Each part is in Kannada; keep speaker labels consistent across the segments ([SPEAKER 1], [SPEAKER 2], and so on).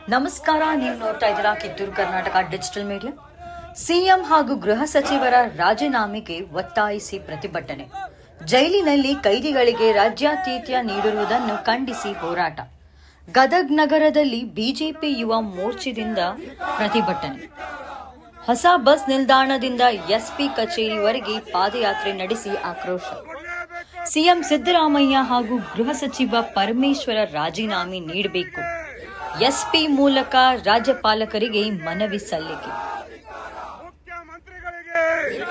[SPEAKER 1] ನಮಸ್ಕಾರ, ನೀವು ನೋಡ್ತಾ ಇದ್ದೀರಾ Kittur Karnataka digital media. CM ಹಾಗೂ ಗೃಹ ಸಚಿವರ ರಾಜೀನಾಮೆಗೆ ಒತ್ತಾಯಿಸಿ ಪ್ರತಿಭಟನೆ. ಜೈಲಿನಲ್ಲಿ ಕೈದಿಗಳಿಗೆ ರಾಜ್ಯಾತಿಥ್ಯ ನೀಡಿರುವುದನ್ನು ಖಂಡಿಸಿ ಹೋರಾಟ. ಗದಗ್ ನಗರದಲ್ಲಿ ಬಿಜೆಪಿ ಯುವ ಮೋರ್ಚಾದಿಂದ ಪ್ರತಿಭಟನೆ. ಹೊಸ ಬಸ್ ನಿಲ್ದಾಣದಿಂದ ಎಸ್ಪಿ ಕಚೇರಿವರೆಗೆ ಪಾದಯಾತ್ರೆ ನಡೆಸಿ ಆಕ್ರೋಶ. ಸಿಎಂ ಸಿದ್ದರಾಮಯ್ಯ ಹಾಗೂ ಗೃಹ ಸಚಿವ ಪರಮೇಶ್ವರ ರಾಜೀನಾಮೆ ನೀಡಬೇಕು. ಎಸ್ಪಿ ಮೂಲಕ ರಾಜ್ಯಪಾಲಕರಿಗೆ ಮನವಿ ಸಲ್ಲಿಕೆ.
[SPEAKER 2] ಮುಖ್ಯಮಂತ್ರಿಗಳಿಗೆ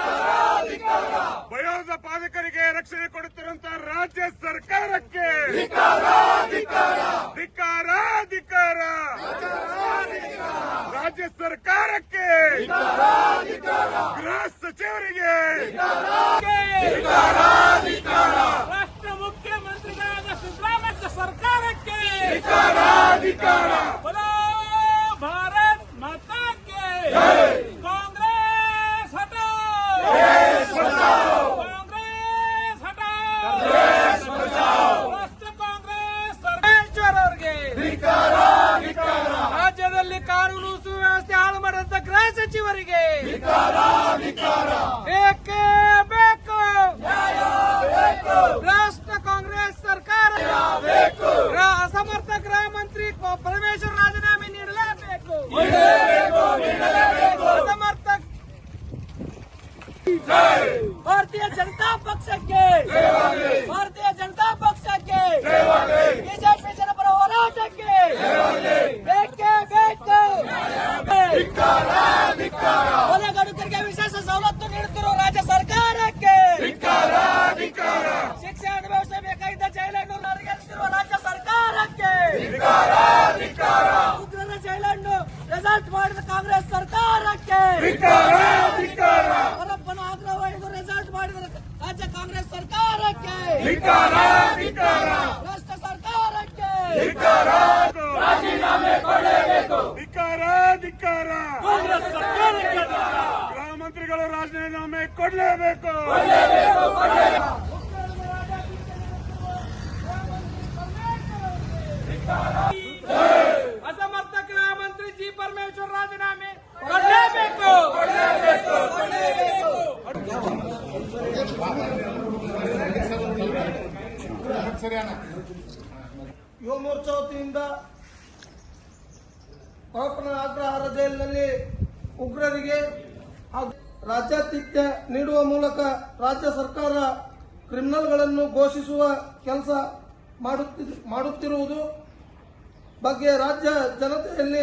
[SPEAKER 2] ಭಯೋತ್ಪಾದಕರಿಗೆ ರಕ್ಷಣೆ ಕೊಡುತ್ತಿರುವಂತಹ ರಾಜ್ಯ ಸರ್ಕಾರಕ್ಕೆ ಧಿಕ್ಕಾರ. ರಾಜ್ಯ ಸರ್ಕಾರಕ್ಕೆ ಗೃಹ ಸಚಿವರಿಗೆ
[SPEAKER 3] ರಾಷ್ಟ್ರ ಮುಖ್ಯಮಂತ್ರಿಗಳಾದ ಸಿದ್ದರಾಮಯ್ಯ ಸರ್ಕಾರಕ್ಕೆ बोलो भारत माता के कांग्रेस हटाओ, कांग्रेस हटाओ, ರಾಷ್ಟ್ರ ಕಾಂಗ್ರೆಸ್ ಸರ್ಕಾರಕ್ಕೆ ರಾಜ್ಯದಲ್ಲಿ ಕಾನೂನು ಸುವ್ಯವಸ್ಥೆ ಹಾಳು ಮಾಡಿದಂತ ಗೃಹ ಸಚಿವರಿಗೆ ಬೇಕೇ ಬೇಕು. ರಾಷ್ಟ್ರ ಕಾಂಗ್ರೆಸ್ ಸರ್ಕಾರ ಅಸಮರ್ಥ ಗೃಹ ಮಂತ್ರಿ ಪರಮೇಶ್ವರ್ ರಾಜೀನಾಮೆ ನೀಡಲೇಬೇಕು. ಅಸಮರ್ಥ ಭಾರತೀಯ ಜನತಾ ಪಕ್ಷಕ್ಕೆ ಬಿಜೆಪಿ ಜನಪರ ಹೋರಾಟಕ್ಕೆ ಬೇಕೇ ಬೇಕು. ಕೊಲೆಗಡುಕರಿಗೆ ವಿಶೇಷ ಸವಲತ್ತು ನೀಡುತ್ತಿರುವ ರಾಜ್ಯ ಸರ್ಕಾರಕ್ಕೆ ಶಿಕ್ಷೆ ಅನುಭವಿಸಬೇಕಾಗಿದ್ದ ಜೈಲನ್ನು ನಡೆಸಿರುವ ರಾಜ್ಯ ಸರ್ಕಾರಕ್ಕೆ ಉಗ್ರರ ಜೈಲನ್ನು ರೆಸಾರ್ಟ್ ಮಾಡಿದ ಕಾಂಗ್ರೆಸ್ ಸರ್ಕಾರಕ್ಕೆ ಅವರಪ್ಪನ ಆಗ್ರಹವನ್ನು ರೆಸಾರ್ಟ್ ಮಾಡಿದ ರಾಜ್ಯ ಕಾಂಗ್ರೆಸ್ ಸರ್ಕಾರಕ್ಕೆ ರಾಷ್ಟ್ರ ಸರ್ಕಾರಕ್ಕೆ
[SPEAKER 2] ರಾಜೀನಾಮೆ ಕೊಡಲೇಬೇಕು. ಧಿಕ್ಕಾರ ಗೃಹ ಮಂತ್ರಿಗಳು ರಾಜೀನಾಮೆ ಕೊಡಲೇಬೇಕು.
[SPEAKER 3] ಅಸಮರ್ಥ ಗೃಹ ಮಂತ್ರಿ ಜಿ ಪರಮೇಶ್ವರ್ ರಾಜೀನಾಮೆ ಕೊಡಲೇಬೇಕು.
[SPEAKER 4] ಯುವ ಮೋರ್ಚಾ ವತಿಯಿಂದ ಪಾಪನ ಅಗ್ರಹಾರ ಜೈಲಿನಲ್ಲಿ ಉಗ್ರರಿಗೆ ರಾಜ್ಯಾತಿಥ್ಯ ನೀಡುವ ಮೂಲಕ ರಾಜ್ಯ ಸರ್ಕಾರ ಕ್ರಿಮಿನಲ್ಗಳನ್ನು ಘೋಷಿಸುವ ಕೆಲಸ ಮಾಡುತ್ತಿರುವುದು ಬಗ್ಗೆ ರಾಜ್ಯ ಜನತೆಯಲ್ಲಿ